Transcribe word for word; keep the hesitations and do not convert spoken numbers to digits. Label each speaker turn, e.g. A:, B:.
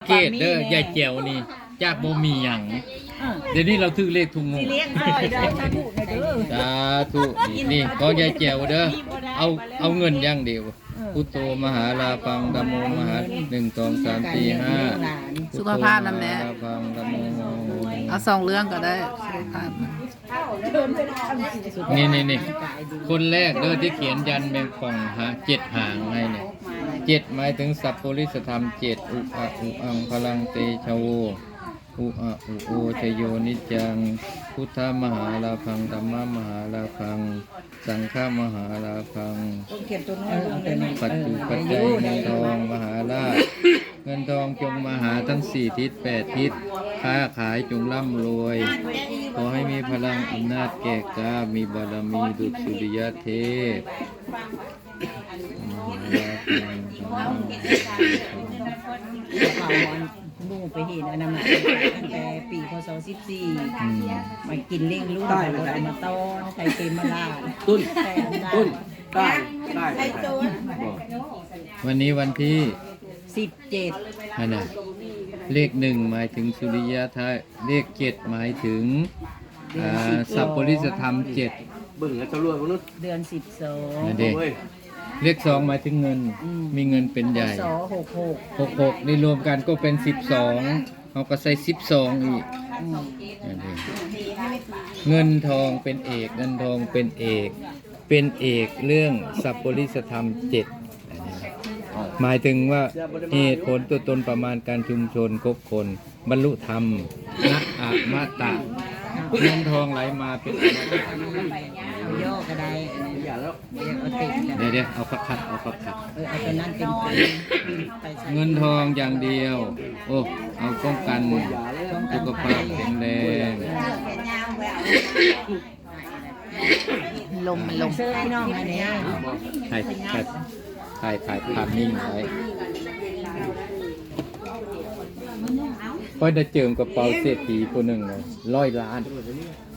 A: เกตเด้อยายแจ๋วนี่จากบ่มีหยังเดี๋ยวนี้เราถือเลขทุกงง
B: เลี้ยงซอยเด้อสาธุเด้อ
A: สาธุนี่นี่ของยายแจ๋วเด้อเอาเอาเงินอย่างเดียวพุทโธมหาลาพังธัมโมมหาหนึ่งสองสามสี่ห้า
C: สุขภาพนั่นแหละ
A: พุทโธมหาลาพังธัมโม
C: เอาสองเรื่องก็ได้สุขภาพ
A: นี่นี่นี่คนแรกเด้อที่เขียนยันแมงป่องหาเจ็ดหางให้เนี่ยเจ็ดหมายถึงสัพปริสธรรมเจ็ดอุอะอุอังพลังเตชะโวอุอะอุโอชโยนิจังพุทธมหาลาพังธัมมมหาลาพังสังฆมหาลาพัง
B: ต้องเขียนตัวน้อยลงไปหน่อย
A: ปัจจุปัจจัยเงินทองมหาราชเงินทองจงมาหาทั้งสี่ทิศแปดทิศค้าขายจงร่ำรวย ขอให้มีพลังอำนาจแก่กล้ามีบารมีดุจสุริยเทพมหาราช
B: เขาบูไปเห็นอนามัยตั้งแต่ปีพศสิบสี่
A: อืม
B: มากินเลี้ยงลูกแล้วก็มาต้อนไข่เค็มมาลาด
D: ตุ้น
B: แต่ได้
D: ตุ้นได้ได้ได้
A: วันนี้วันที่
B: สิบเจ็ด
A: อันน่ะเลขหนึ่งหมายถึงสุริยะทายเลขเจ็ดหมายถึงอ่าสัพปริสธรรมเจ็ด
D: เบิ่งแล้วจะรวยคนนู้น
B: เดือนสิบสอง
A: นั่นเด็ก
D: เว้ย
A: เลขสองหมายถึงเงิน มีเงินเป็นใหญ่
B: สอหกหก
A: หกหกนี่รวมกันก็เป็นสิบสองเขาก็ใส่สิบสองอีกนั่นเองเงินทองเป็นเอกเงินทองเป็นเอก เป็นเอกเรื่องสัพปริสธรรมเจ็ดหมายถึงว่าเหตุผลตัวตนประมาณการชุมชนคบคน บรรลุธรรมนะอะมะตะเงินทองไหลมาเป็นอมตะ
B: เอาย่อก็ได้
D: อย่าแล้ว
B: เรียกเอาติดกัน
A: เดี๋ยวเดี๋ยวเอาคักคักเอาคักคัก
B: เออเอาตัวนั้นเป็นไปไปใส่
A: เงินทองอย่างเดียว โอ้เอาป้องกันสุขภาพแข็งแรง
C: ลมมันลม
B: เสื้อพี่น้องอันนี้
A: ถ่ายถ่ายถ่ายถ่ายภาพนิ่งไว้ค่อยได้เจิมกระเป๋าเศรษฐีคนหนึ่งเลยร้อยล้าน